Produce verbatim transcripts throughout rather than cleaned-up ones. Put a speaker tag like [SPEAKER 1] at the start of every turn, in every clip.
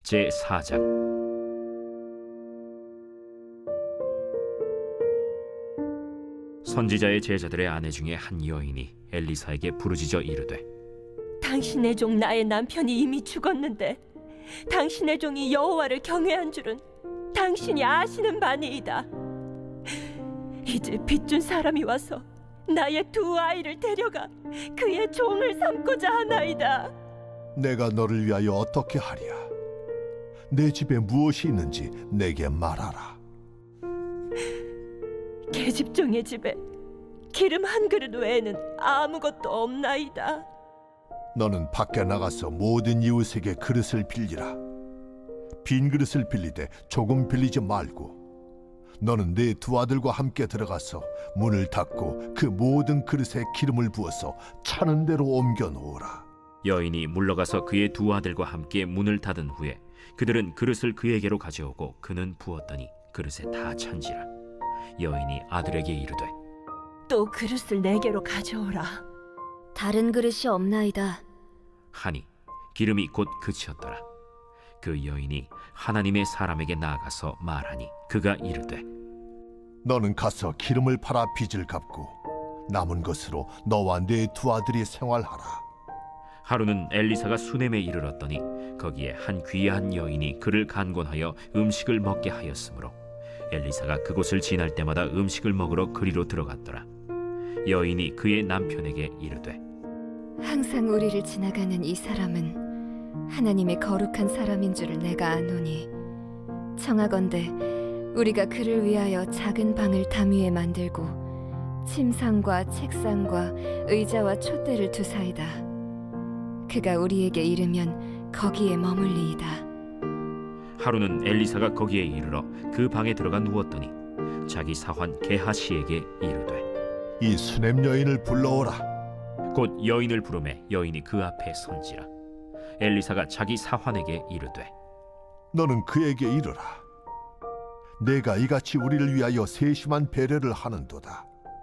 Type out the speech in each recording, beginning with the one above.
[SPEAKER 1] 제사 장. 선지자의 제자들의 아내 중에 한 여인이 엘리사에게 부르짖어 이르되,
[SPEAKER 2] 당신의 종 나의 남편이 이미 죽었는데 당신의 종이 여호와를 경외한 줄은 당신이 아시는 바니이다. 이제 빚준 사람이 와서 나의 두 아이를 데려가 그의 종을 삼고자 하나이다.
[SPEAKER 3] 내가 너를 위하여 어떻게 하랴? 내 집에 무엇이 있는지 내게 말하라.
[SPEAKER 2] 계집종의 집에 기름 한 그릇 외에는 아무것도 없나이다.
[SPEAKER 3] 너는 밖에 나가서 모든 이웃에게 그릇을 빌리라. 빈 그릇을 빌리되 조금 빌리지 말고, 너는 네 두 아들과 함께 들어가서 문을 닫고 그 모든 그릇에 기름을 부어서 차는 대로 옮겨 놓으라.
[SPEAKER 1] 여인이 물러가서 그의 두 아들과 함께 문을 닫은 후에 그들은 그릇을 그에게로 가져오고 그는 부었더니 그릇에 다 찬지라. 여인이 아들에게 이르되,
[SPEAKER 2] 또 그릇을 내게로 가져오라.
[SPEAKER 4] 다른 그릇이 없나이다.
[SPEAKER 1] 하니 기름이 곧 그치었더라. 그 여인이 하나님의 사람에게 나아가서 말하니 그가 이르되,
[SPEAKER 3] 너는 가서 기름을 팔아 빚을 갚고 남은 것으로 너와 네 두 아들이 생활하라.
[SPEAKER 1] 하루는 엘리사가 수넴에 이르렀더니 거기에 한 귀한 여인이 그를 간곤하여 음식을 먹게 하였으므로 엘리사가 그곳을 지날 때마다 음식을 먹으러 그리로 들어갔더라. 여인이 그의 남편에게 이르되,
[SPEAKER 4] 항상 우리를 지나가는 이 사람은 하나님의 거룩한 사람인 줄을 내가 아노니, 청하건대 우리가 그를 위하여 작은 방을 담 위에 만들고 침상과 책상과 의자와 촛대를 두사이다. 그가 우리에게 이르면 거기에 머물리이다.
[SPEAKER 1] 하루는 엘리사가 거기에 이르러 그 방에 들어가 누웠더니 자기 사환 게하시에게 이르되,
[SPEAKER 3] 이 수냄 여인을 불러오라.
[SPEAKER 1] 곧 여인을 부르매 여인이 그 앞에 선지라. 엘리사가 자기 사환에게 이르되,
[SPEAKER 3] 너는 그에게 이르라. 내가 이같이 우리를 위하여 세심한 배려를 하는도다.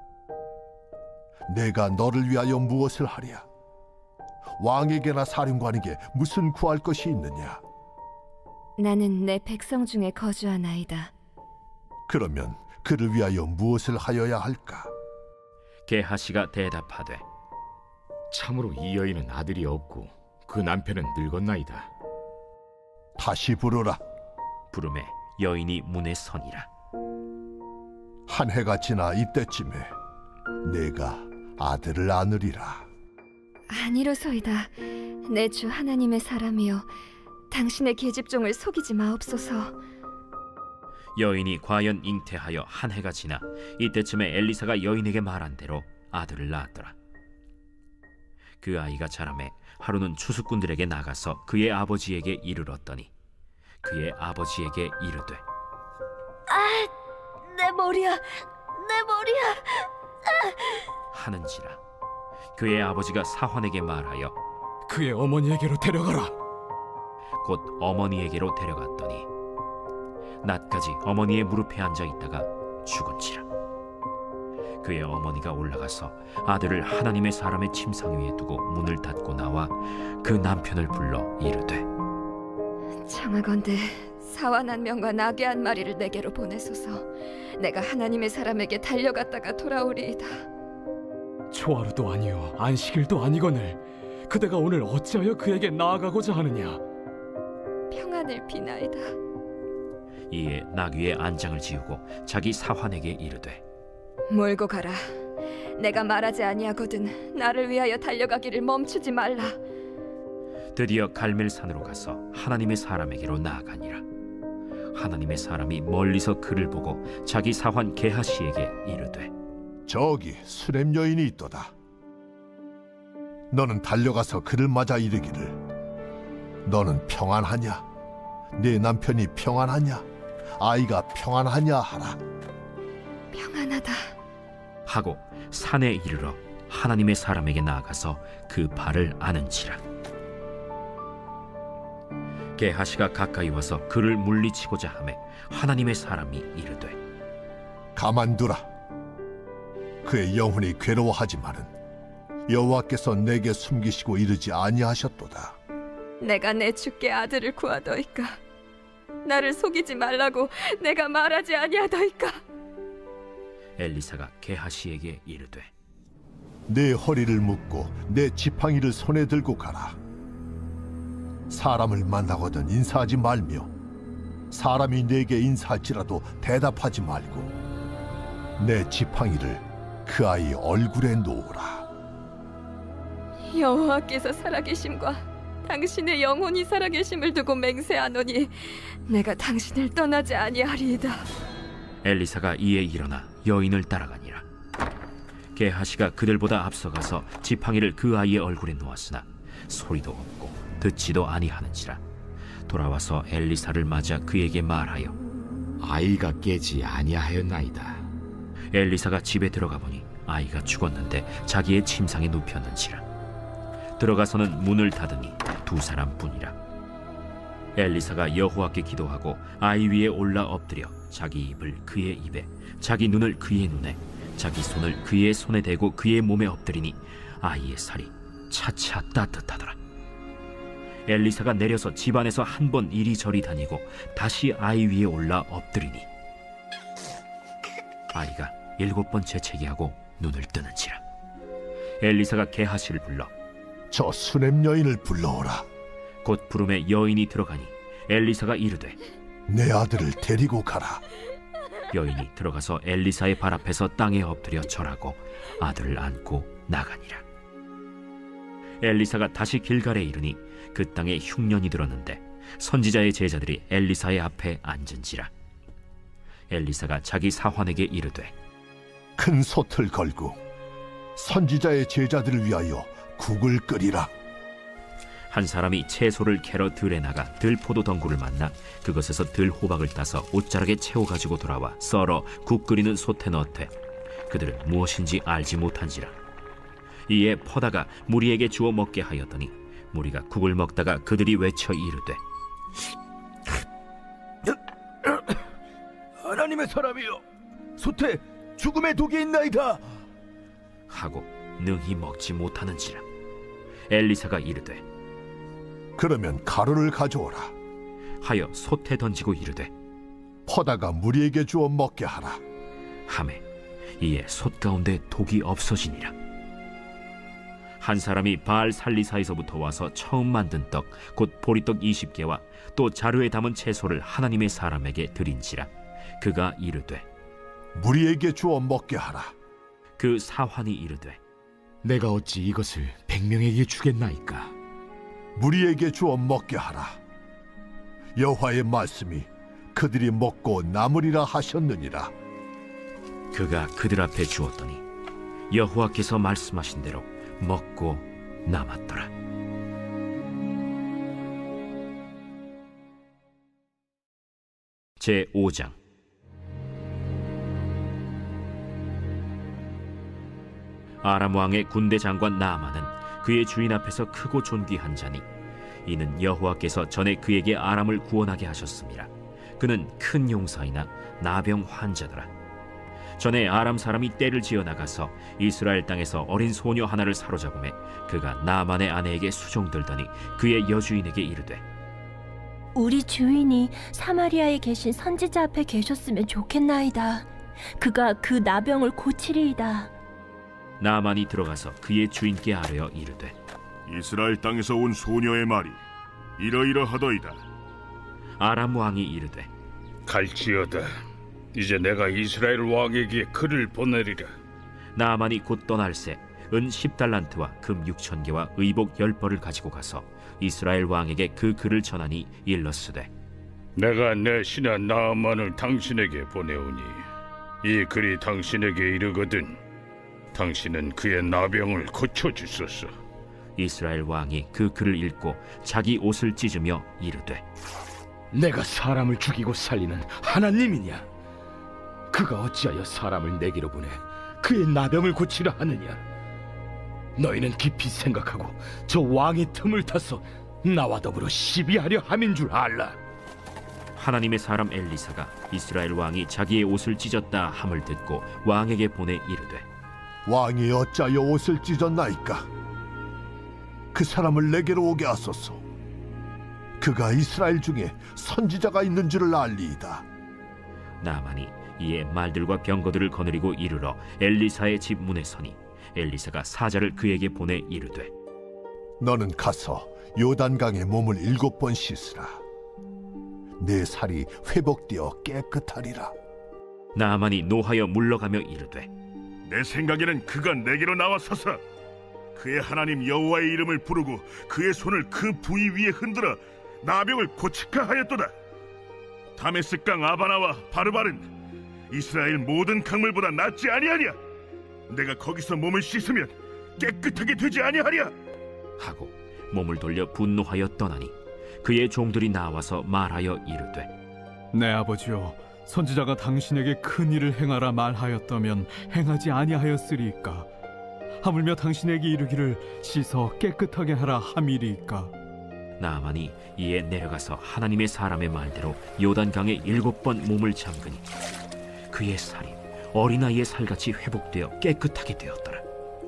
[SPEAKER 3] 내가 너를 위하여 무엇을 하랴? 왕에게나 사령관에게 무슨 구할 것이 있느냐?
[SPEAKER 4] 나는 내 백성 중에 거주하나이다.
[SPEAKER 3] 그러면 그를 위하여 무엇을 하여야 할까?
[SPEAKER 1] 게하시가 대답하되,
[SPEAKER 5] 참으로 이 여인은 아들이 없고 그 남편은 늙었나이다.
[SPEAKER 3] 다시 부르라.
[SPEAKER 1] 부르매 여인이 문에 서니라.
[SPEAKER 3] 한 해가 지나 이때쯤에 내가 아들을 안으리라.
[SPEAKER 4] 아니로소이다. 내 주 하나님의 사람이여, 당신의 계집종을 속이지 마옵소서.
[SPEAKER 1] 여인이 과연 잉태하여 한 해가 지나 이때쯤에 엘리사가 여인에게 말한 대로 아들을 낳았더라. 그 아이가 자라매 하루는 추수꾼들에게 나가서 그의 아버지에게 이르렀더니 그의 아버지에게 이르되,
[SPEAKER 4] 아, 내 머리야, 내 머리야.
[SPEAKER 1] 하는지라. 그의 아버지가 사환에게 말하여
[SPEAKER 5] 그의 어머니에게로 데려가라.
[SPEAKER 1] 곧 어머니에게로 데려갔더니 낮까지 어머니의 무릎에 앉아 있다가 죽은지라. 그의 어머니가 올라가서 아들을 하나님의 사람의 침상 위에 두고 문을 닫고 나와 그 남편을 불러 이르되,
[SPEAKER 4] 청하건대 사완 한 명과 나귀 한 마리를 내게로 보내소서. 내가 하나님의 사람에게 달려갔다가 돌아오리이다.
[SPEAKER 5] 초하루도 아니요 안식일도 아니거늘 그대가 오늘 어찌하여 그에게 나아가고자 하느냐?
[SPEAKER 4] 평안을 비나이다.
[SPEAKER 1] 이에 나귀의 안장을 지우고 자기 사환에게 이르되,
[SPEAKER 4] 몰고 가라. 내가 말하지 아니하거든 나를 위하여 달려가기를 멈추지 말라.
[SPEAKER 1] 드디어 갈멜산으로 가서 하나님의 사람에게로 나아가니라. 하나님의 사람이 멀리서 그를 보고 자기 사환 게하시에게 이르되,
[SPEAKER 3] 저기 수냄 여인이 있도다. 너는 달려가서 그를 맞아 이르기를, 너는 평안하냐? 네 남편이 평안하냐? 아이가 평안하냐 하라.
[SPEAKER 4] 평안하다.
[SPEAKER 1] 하고 산에 이르러 하나님의 사람에게 나아가서 그 발을 아는지라. 게하시가 가까이 와서 그를 물리치고자 하매 하나님의 사람이 이르되,
[SPEAKER 3] 가만두라. 그의 영혼이 괴로워하지만은 여호와께서 내게 숨기시고 이르지 아니하셨도다.
[SPEAKER 4] 내가 내 주께 아들을 구하더이까? 나를 속이지 말라고 내가 말하지 아니하더이까?
[SPEAKER 1] 엘리사가 게하시에게 이르되
[SPEAKER 3] 내 허리를 묶고 내 지팡이를 손에 들고 가라. 사람을 만나거든 인사하지 말며 사람이 내게 인사할지라도 대답하지 말고 내 지팡이를 그 아이 얼굴에 놓으라.
[SPEAKER 4] 여호와께서 살아계심과 당신의 영혼이 살아계심을 두고 맹세하노니 내가 당신을 떠나지 아니하리이다.
[SPEAKER 1] 엘리사가 이에 일어나 여인을 따라가니라. 게하시가 그들보다 앞서가서 지팡이를 그 아이의 얼굴에 놓았으나 소리도 없고 듣지도 아니하는지라. 돌아와서 엘리사를 맞아 그에게 말하여
[SPEAKER 6] 아이가 깨지 아니하였나이다.
[SPEAKER 1] 엘리사가 집에 들어가 보니 아이가 죽었는데 자기의 침상에 눕혔는지라. 들어가서는 문을 닫으니 두 사람뿐이라. 엘리사가 여호와께 기도하고 아이 위에 올라 엎드려 자기 입을 그의 입에 자기 눈을 그의 눈에 자기 손을 그의 손에 대고 그의 몸에 엎드리니 아이의 살이 차차 따뜻하더라. 엘리사가 내려서 집안에서 한 번 이리저리 다니고 다시 아이 위에 올라 엎드리니 아이가 일곱 번 재채기하고 눈을 뜨는지라. 엘리사가 게하시를 불러
[SPEAKER 3] 저 수냄 여인을 불러오라.
[SPEAKER 1] 곧 부름에 여인이 들어가니 엘리사가 이르되
[SPEAKER 3] 내 아들을 데리고 가라.
[SPEAKER 1] 여인이 들어가서 엘리사의 발 앞에서 땅에 엎드려 절하고 아들을 안고 나가니라. 엘리사가 다시 길갈에 이르니 그 땅에 흉년이 들었는데 선지자의 제자들이 엘리사의 앞에 앉은지라. 엘리사가 자기 사환에게 이르되
[SPEAKER 3] 큰 솥을 걸고 선지자의 제자들을 위하여 국을 끓이라.
[SPEAKER 1] 한 사람이 채소를 캐러 들에 나가 들포도 덩굴을 만나 그것에서 들호박을 따서 옷자락에 채워 가지고 돌아와 썰어 국 끓이는 솥에 넣되 그들은 무엇인지 알지 못한지라. 이에 퍼다가 무리에게 주어 먹게 하였더니 무리가 국을 먹다가 그들이 외쳐 이르되
[SPEAKER 7] 하나님의 사람이여, 솥에 죽음의 독이 있나이다.
[SPEAKER 1] 하고 능히 먹지 못하는지라. 엘리사가 이르되
[SPEAKER 3] 그러면 가루를 가져오라.
[SPEAKER 1] 하여 솥에 던지고 이르되
[SPEAKER 3] 퍼다가 무리에게 주어 먹게 하라.
[SPEAKER 1] 하매 이에 솥 가운데 독이 없어지니라. 한 사람이 바알 살리사에서부터 와서 처음 만든 떡 곧 보리떡 이십 개와 또 자루에 담은 채소를 하나님의 사람에게 드린지라. 그가 이르되
[SPEAKER 3] 무리에게 주어 먹게 하라.
[SPEAKER 1] 그 사환이 이르되
[SPEAKER 6] 내가 어찌 이것을 백명에게 주겠나이까?
[SPEAKER 3] 무리에게 주어 먹게 하라. 여호와의 말씀이 그들이 먹고 남으리라 하셨느니라.
[SPEAKER 1] 그가 그들 앞에 주었더니 여호와께서 말씀하신 대로 먹고 남았더라. 제오 장. 아람 왕의 군대 장관 나아만은 그의 주인 앞에서 크고 존귀한 자니 이는 여호와께서 전에 그에게 아람을 구원하게 하셨습니다. 그는 큰 용사이나 나병 환자더라. 전에 아람 사람이 떼를 지어 나가서 이스라엘 땅에서 어린 소녀 하나를 사로잡음에 그가 나아만의 아내에게 수종들더니 그의 여주인에게 이르되
[SPEAKER 2] 우리 주인이 사마리아에 계신 선지자 앞에 계셨으면 좋겠나이다. 그가 그 나병을 고치리이다.
[SPEAKER 1] 나아만이 들어가서 그의 주인께 아뢰어 이르되
[SPEAKER 8] 이스라엘 땅에서 온 소녀의 말이 이러이러하더이다.
[SPEAKER 1] 아람 왕이 이르되
[SPEAKER 9] 갈지어다. 이제 내가 이스라엘 왕에게 글을 보내리라.
[SPEAKER 1] 나아만이 곧 떠날새 은 십 달란트와 금 육천 개와 의복 열 벌을 가지고 가서 이스라엘 왕에게 그 글을 전하니 일렀으되
[SPEAKER 9] 내가 내 신하 나아만을 당신에게 보내오니 이 글이 당신에게 이르거든 당신은 그의 나병을 고쳐주소서.
[SPEAKER 1] 이스라엘 왕이 그 글을 읽고 자기 옷을 찢으며 이르되
[SPEAKER 5] 내가 사람을 죽이고 살리는 하나님이냐? 그가 어찌하여 사람을 내게로 보내 그의 나병을 고치려 하느냐? 너희는 깊이 생각하고 저 왕의 틈을 타서 나와 더불어 시비하려 함인 줄 알라.
[SPEAKER 1] 하나님의 사람 엘리사가 이스라엘 왕이 자기의 옷을 찢었다 함을 듣고 왕에게 보내 이르되
[SPEAKER 3] 왕이 어찌하여 옷을 찢었나이까? 그 사람을 내게로 오게 하소서. 그가 이스라엘 중에 선지자가 있는 줄을 알리이다.
[SPEAKER 1] 나만이 이에 말들과 병거들을 거느리고 이르러 엘리사의 집 문에 서니 엘리사가 사자를 그에게 보내 이르되
[SPEAKER 3] 너는 가서 요단강에 몸을 일곱 번 씻으라. 내 살이 회복되어 깨끗하리라.
[SPEAKER 1] 나만이 노하여 물러가며 이르되
[SPEAKER 8] 내 생각에는 그가 내게로 나와서서 그의 하나님 여호와의 이름을 부르고 그의 손을 그 부위 위에 흔들어 나병을 고치카 하였도다. 다메스강 아바나와 바르바른 이스라엘 모든 강물보다 낫지 아니하랴. 내가 거기서 몸을 씻으면 깨끗하게 되지 아니하랴.
[SPEAKER 1] 하고 몸을 돌려 분노하여 떠나니 그의 종들이 나와서 말하여 이르되
[SPEAKER 10] 내 아버지여, 선지자가 당신에게 큰 일을 행하라 말하였다면 행하지 아니하였으리이까? 하물며 당신에게 이르기를 씻어 깨끗하게 하라 함이리이까?
[SPEAKER 1] 나만이 이에 내려가서 하나님의 사람의 말대로 요단강에 일곱 번 몸을 잠그니 그의 살이 어린아이의 살같이 회복되어 깨끗하게 되었더라.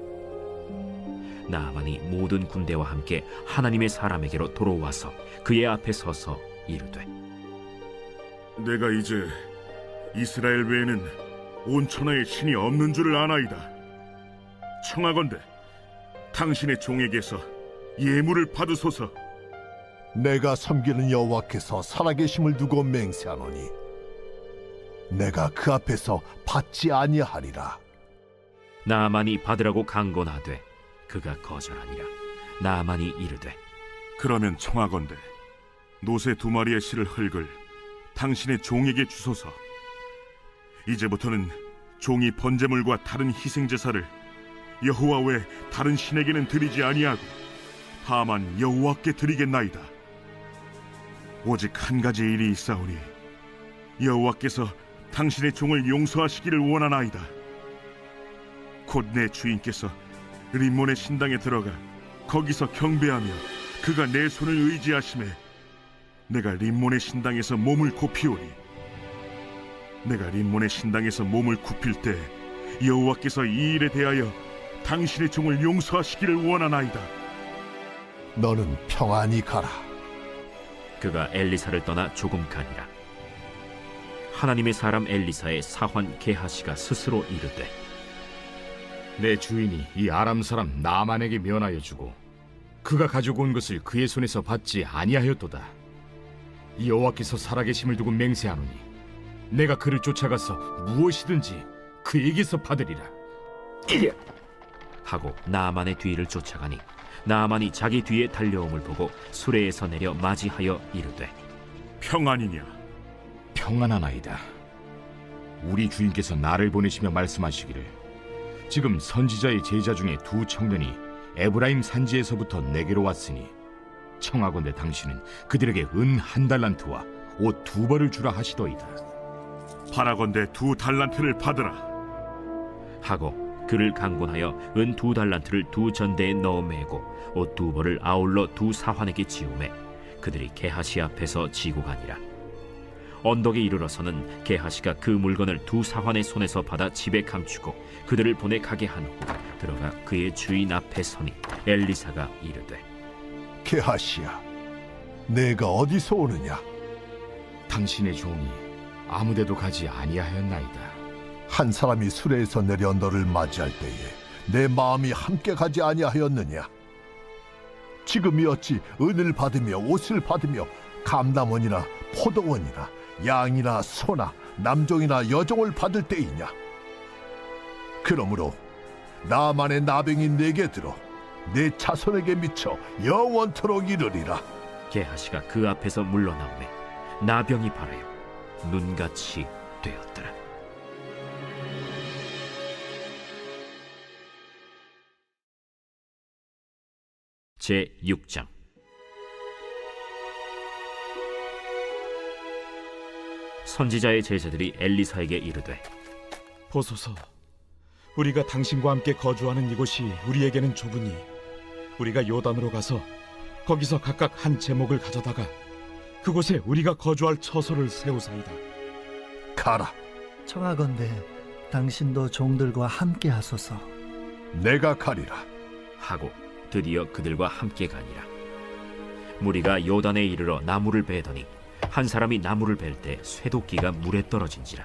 [SPEAKER 1] 나만이 모든 군대와 함께 하나님의 사람에게로 돌아와서 그의 앞에 서서 이르되
[SPEAKER 8] 내가 이제 이스라엘 외에는 온 천하에 신이 없는 줄을 아나이다. 청하건대 당신의 종에게서 예물을 받으소서.
[SPEAKER 3] 내가 섬기는 여호와께서 살아계심을 두고 맹세하노니 내가 그 앞에서 받지 아니하리라.
[SPEAKER 1] 나만이 받으라고 강권하되 그가 거절하니라. 나만이 이르되
[SPEAKER 8] 그러면 청하건대 노새 두 마리의 실을 흙을 당신의 종에게 주소서. 이제부터는 종이 번제물과 다른 희생제사를 여호와 외 다른 신에게는 드리지 아니하고 다만 여호와께 드리겠나이다. 오직 한 가지 일이 있사오니 여호와께서 당신의 종을 용서하시기를 원하나이다. 곧 내 주인께서 림몬의 신당에 들어가 거기서 경배하며 그가 내 손을 의지하심에 내가 림몬의 신당에서 몸을 굽히오리. 내가 림몬의 신당에서 몸을 굽힐 때 여호와께서 이 일에 대하여 당신의 종을 용서하시기를 원하나이다.
[SPEAKER 3] 너는 평안히 가라.
[SPEAKER 1] 그가 엘리사를 떠나 조금 가니라. 하나님의 사람 엘리사의 사환 게하시가 스스로 이르되
[SPEAKER 6] 내 주인이 이 아람 사람 나만에게 면하여 주고 그가 가지고 온 것을 그의 손에서 받지 아니하였도다. 이 여호와께서 살아계심을 두고 맹세하노니 내가 그를 쫓아가서 무엇이든지 그에게서 받으리라.
[SPEAKER 1] 하고 나만의 뒤를 쫓아가니 나만이 자기 뒤에 달려옴을 보고 수레에서 내려 맞이하여 이르되
[SPEAKER 8] 평안이냐?
[SPEAKER 6] 평안하나이다. 우리 주인께서 나를 보내시며 말씀하시기를 지금 선지자의 제자 중에 두 청년이 에브라임 산지에서부터 내게로 왔으니 청하건대 당신은 그들에게 은 한 달란트와 옷 두 벌을 주라 하시더이다.
[SPEAKER 8] 바라건대 두 달란트를 받으라.
[SPEAKER 1] 하고 그를 강권하여 은 두 달란트를 두 전대에 넣어 매고 옷 두 벌을 아울러 두 사환에게 지우매 그들이 게하시 앞에서 지고 가니라. 언덕에 이르러서는 게하시가 그 물건을 두 사환의 손에서 받아 집에 감추고 그들을 보내 가게 한 후 들어가 그의 주인 앞에 서니 엘리사가 이르되
[SPEAKER 3] 게하시야, 내가 어디서 오느냐?
[SPEAKER 6] 당신의 종이 아무데도 가지 아니하였나이다.
[SPEAKER 3] 한 사람이 수레에서 내려 너를 맞이할 때에 내 마음이 함께 가지 아니하였느냐? 지금이 어찌 은을 받으며 옷을 받으며 감남원이나 포도원이나 양이나 소나 남종이나 여종을 받을 때이냐? 그러므로 나만의 나병이 내게 들어 내 자손에게 미쳐 영원토록 이르리라.
[SPEAKER 1] 게하시가 그 앞에서 물러나오매 나병이 발하여 눈같이 되었더라. 제육 장. 선지자의 제자들이 엘리사에게 이르되
[SPEAKER 11] 보소서, 우리가 당신과 함께 거주하는 이곳이 우리에게는 좁으니 우리가 요단으로 가서 거기서 각각 한 제목을 가져다가 그곳에 우리가 거주할 처소를 세우사이다.
[SPEAKER 3] 가라.
[SPEAKER 12] 청하건대 당신도 종들과 함께 하소서.
[SPEAKER 3] 내가 가리라.
[SPEAKER 1] 하고 드디어 그들과 함께 가니라. 무리가 요단에 이르러 나무를 베더니 한 사람이 나무를 벨 때 쇠도끼가 물에 떨어진지라.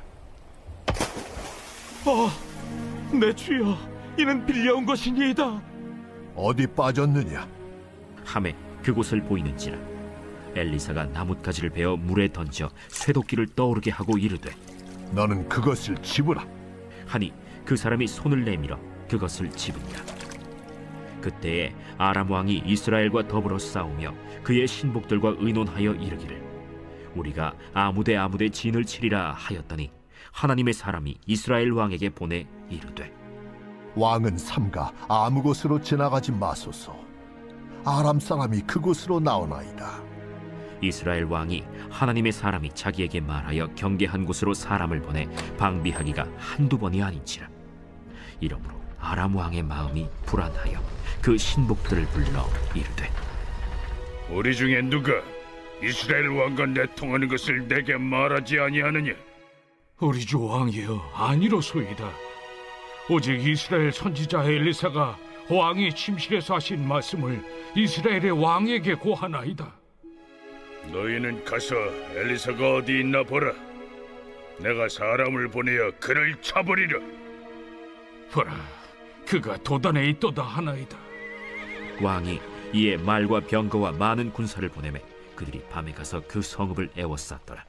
[SPEAKER 5] 어, 내 주여, 이는 빌려온 것이니이다.
[SPEAKER 3] 어디 빠졌느냐?
[SPEAKER 1] 함에 그곳을 보이는지라. 엘리사가 나뭇가지를 베어 물에 던져 쇠도끼를 떠오르게 하고 이르되
[SPEAKER 3] 너는 그것을 집으라.
[SPEAKER 1] 하니 그 사람이 손을 내밀어 그것을 집으니라. 그때에 아람 왕이 이스라엘과 더불어 싸우며 그의 신복들과 의논하여 이르기를 우리가 아무데 아무데 진을 치리라 하였더니 하나님의 사람이 이스라엘 왕에게 보내 이르되
[SPEAKER 3] 왕은 삼가 아무 곳으로 지나가지 마소서. 아람 사람이 그곳으로 나오나이다.
[SPEAKER 1] 이스라엘 왕이 하나님의 사람이 자기에게 말하여 경계한 곳으로 사람을 보내 방비하기가 한두 번이 아닌지라. 이러므로 아람 왕의 마음이 불안하여 그 신복들을 불러 이르되
[SPEAKER 9] 우리 중에 누가 이스라엘 왕과 내통하는 것을 내게 말하지 아니하느냐?
[SPEAKER 5] 우리 주 왕이여, 아니로소이다. 오직 이스라엘 선지자 엘리사가 왕이 침실에서 하신 말씀을 이스라엘의 왕에게 고하나이다.
[SPEAKER 9] 너희는 가서 엘리사가 어디 있나 보라. 내가 사람을 보내어 그를 잡으리라.
[SPEAKER 5] 보라, 그가 도단에 있도다 하나이다.
[SPEAKER 1] 왕이 이에 말과 병거와 많은 군사를 보내매 그들이 밤에 가서 그 성읍을 에워쌌더라.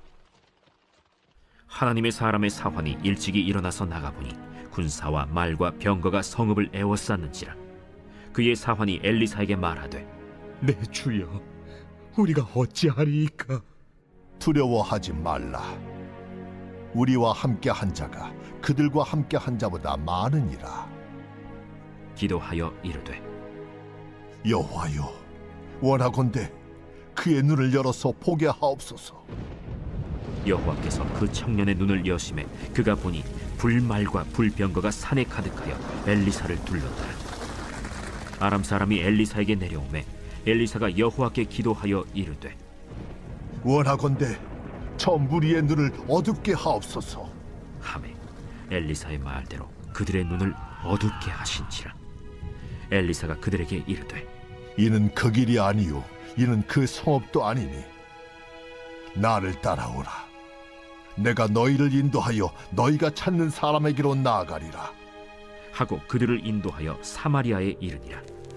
[SPEAKER 1] 하나님의 사람의 사환이 일찍이 일어나서 나가보니 군사와 말과 병거가 성읍을 에워쌌는지라. 그의 사환이 엘리사에게 말하되
[SPEAKER 11] 내 주여, 우리가 어찌하리이까?
[SPEAKER 3] 두려워하지 말라. 우리와 함께 한 자가 그들과 함께 한 자보다 많으니라.
[SPEAKER 1] 기도하여 이르되
[SPEAKER 3] 여호와여, 원하건대 그의 눈을 열어서 보게 하옵소서.
[SPEAKER 1] 여호와께서 그 청년의 눈을 여심해 그가 보니 불말과 불병거가 산에 가득하여 엘리사를 둘렀더라. 아람 사람이 엘리사에게 내려오매 엘리사가 여호와께 기도하여 이르되
[SPEAKER 3] 원하건대 저 무리의 눈을 어둡게 하옵소서.
[SPEAKER 1] 하매 엘리사의 말대로 그들의 눈을 어둡게 하신지라. 엘리사가 그들에게 이르되
[SPEAKER 3] 이는 그 길이 아니요 이는 그 성읍도 아니니 나를 따라오라. 내가 너희를 인도하여 너희가 찾는 사람에게로 나아가리라.
[SPEAKER 1] 하고 그들을 인도하여 사마리아에 이르니라.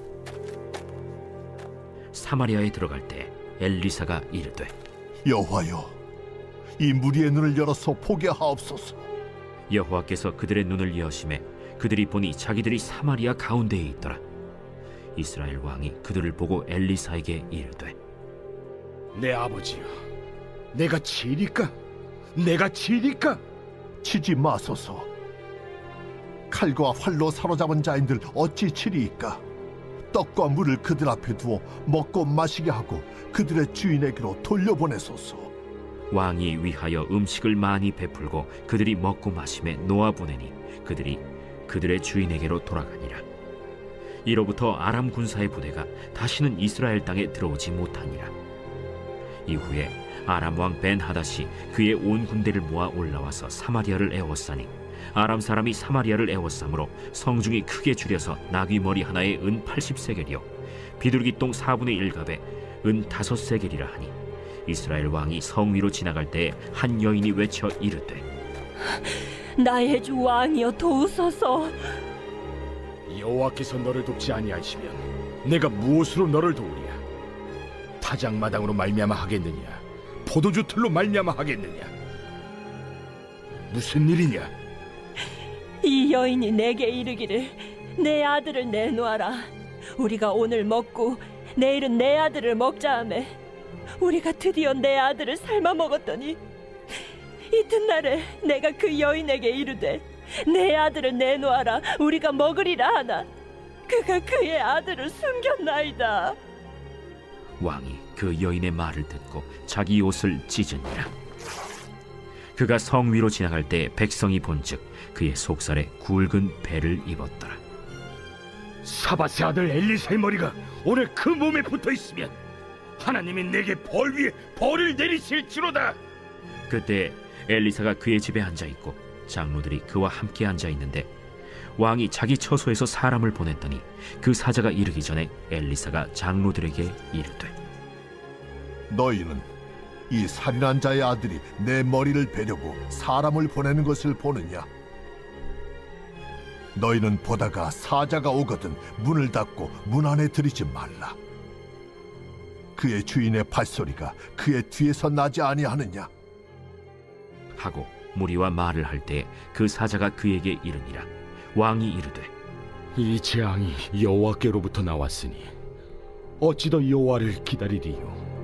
[SPEAKER 1] 사마리아에 들어갈 때 엘리사가 이르되
[SPEAKER 3] 여호와여, 이 무리의 눈을 열어서 보게 하옵소서.
[SPEAKER 1] 여호와께서 그들의 눈을 여심해 그들이 보니 자기들이 사마리아 가운데에 있더라. 이스라엘 왕이 그들을 보고 엘리사에게 이르되
[SPEAKER 5] 내 아버지여, 내가 치리까? 내가 치리까?
[SPEAKER 3] 치지 마소서. 칼과 활로 사로잡은 자인들 어찌 치리이까? 떡과 물을 그들 앞에 두어 먹고 마시게 하고 그들의 주인에게로 돌려보내소서.
[SPEAKER 1] 왕이 위하여 음식을 많이 베풀고 그들이 먹고 마심에 놓아보내니 그들이 그들의 주인에게로 돌아가니라. 이로부터 아람 군사의 부대가 다시는 이스라엘 땅에 들어오지 못하니라. 이후에 아람 왕 벤하닷이 그의 온 군대를 모아 올라와서 사마리아를 에워싸니 아람 사람이 사마리아를 에워싸므로 성중이 크게 줄여서 나귀 머리 하나에 은 팔십 세겔이요 비둘기 똥 사분의 일 갑에 은 다섯 세겔이라 하니 이스라엘 왕이 성 위로 지나갈 때에 한 여인이 외쳐 이르되
[SPEAKER 2] 나의 주 왕이여 도우소서.
[SPEAKER 5] 여호와께서 너를 돕지 아니하시면 내가 무엇으로 너를 도우랴? 타작마당으로 말미암아 하겠느냐? 포도주 틀로 말미암아 하겠느냐? 무슨 일이냐?
[SPEAKER 2] 이 여인이 내게 이르기를 내 아들을 내놓아라. 우리가 오늘 먹고 내일은 내 아들을 먹자 하매 우리가 드디어 내 아들을 삶아 먹었더니 이튿날에 내가 그 여인에게 이르되 내 아들을 내놓아라. 우리가 먹으리라 하나 그가 그의 아들을 숨겼나이다.
[SPEAKER 1] 왕이 그 여인의 말을 듣고 자기 옷을 찢으니라. 그가 성 위로 지나갈 때 백성이 본즉 그의 속살에 굵은 배를 입었더라.
[SPEAKER 5] 사밧의 아들 엘리사의 머리가 오늘 그 몸에 붙어 있으면 하나님이 내게 벌 위에 벌을 내리실지로다.
[SPEAKER 1] 그때 엘리사가 그의 집에 앉아 있고 장로들이 그와 함께 앉아 있는데 왕이 자기 처소에서 사람을 보냈더니 그 사자가 이르기 전에 엘리사가 장로들에게 이르되
[SPEAKER 3] 너희는 이 살인한 자의 아들이 내 머리를 베려고 사람을 보내는 것을 보느냐? 너희는 보다가 사자가 오거든 문을 닫고 문 안에 들이지 말라. 그의 주인의 발소리가 그의 뒤에서 나지 아니하느냐?
[SPEAKER 1] 하고 무리와 말을 할 때 그 사자가 그에게 이르니라. 왕이 이르되
[SPEAKER 5] 이 재앙이 여호와께로부터 나왔으니 어찌 더 여호와를 기다리리요?